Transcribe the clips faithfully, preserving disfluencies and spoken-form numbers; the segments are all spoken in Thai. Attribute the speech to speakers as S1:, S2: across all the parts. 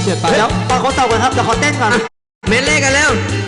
S1: เดี๋ยวเดี๋ยวตอนเขาเต่ากันครับเดี๋ยวเขาเต้นก่อน
S2: เมนเล่กันแล้ว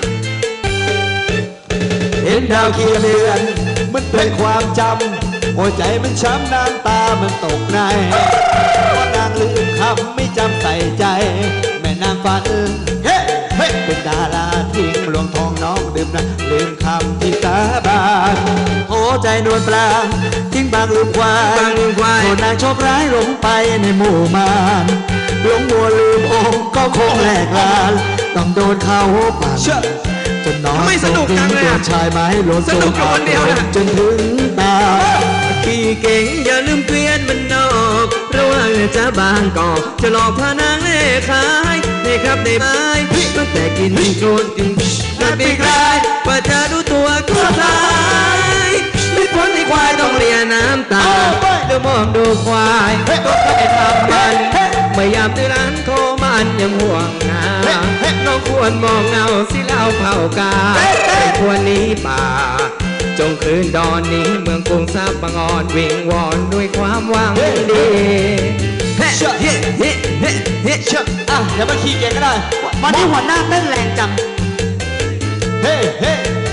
S1: เห็นดาวเคียงเดือนมันเป็นความจำหัวใจมันช้ำน้ำตามันตกในว่านางลืมคำไม่จำใส่ใจแม่นางฝันเฮ้เฮ้เป็นดาราทิ้งหลวงทองน้องดื่มนะลืมคำที่สาบานหัวใจนวลปลางทิ้งบางลืมควายโทษนางโชคร้ายหลงไปในหมู่มารหลงมัวลืมองค์ก็คงแหลกลานต้องโดนเขาปั่นจนน้องไม่สนุกจังเลยชายไม้หล่นสนุกอยู่คนเดียวนะจนถึงตา
S2: ขี่เก่งอย่าลืมเกวียนมันนอกระวังจะบางกอกจะหลอกพานางเล่ขายในครับในไม้ตั้งแต่กินโจนกินนัดปีกลายกว่าจะรู้ตัวก็สายไม่พ้นไอ้ควายต้องเลียน้ำตาเดี๋ยวมองดูควายก็แค่ทำมันเมื่อยามที่ร้านโทรมันยังห่วงงาน้องควรมองเงาสิเล่าเผากาไม่ควรหนีป่าจงคืนดอนนี้เมืองกรุงทรัพย์บางอ่อนวิงวอนด้วยความหวังดีเฮ้เฮ้เฮ้เฮ้เฮ้เชื่อ
S1: อ่ะเดี๋ยวมาขี่เก่งก็ได้
S2: วันนี้หัวหน้าเต้นแรงจัง
S1: เฮ้เฮ้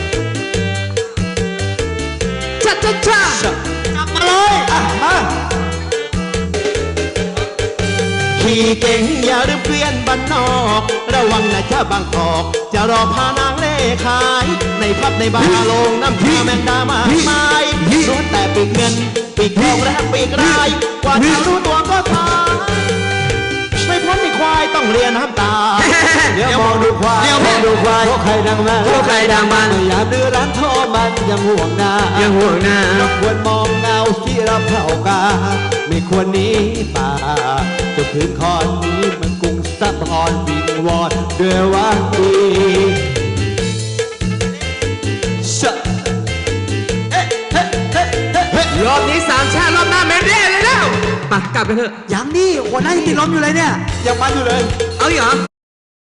S2: ชัดชัดชัด
S1: จับมาเลยอ่ะมาขี่เก่งอย่าลืมเกวียนบ้านนอกระวังนะจ้าบางกอกจะรอพานางเล่ขายในพับในบาร์ลงน้ำชาแมงดามาไม้ล้วนแต่ปีกเงินปีกทองและปีกรายกว่าจะรู้ตัวก็ทายไม่พ้นมีควายต้องเรียนน้ำตาเดี๋ยวมองดูควายมองดูควายพวกใครดังมัน
S2: พวกใครดังมัน
S1: อย่าดื้อรั้นท่อมันยังห่วงหน้า
S2: ยังห่วงหน้า
S1: ควรมองเงาที่รับเผากาไม่ควรหนีป่าจะพื้นคอนนี้มันกรุงสะพรวิงวอนด้วยว่าดี
S2: รอบนี้สามชาติรอบหน้าเมนเร่เลยแล้วไปกลับไปเถอะ
S1: ยังนี่หัวหน้ายังติดลมอยู่เลยเนี่ยยังมันอยู่เลย
S2: เอาเหรอ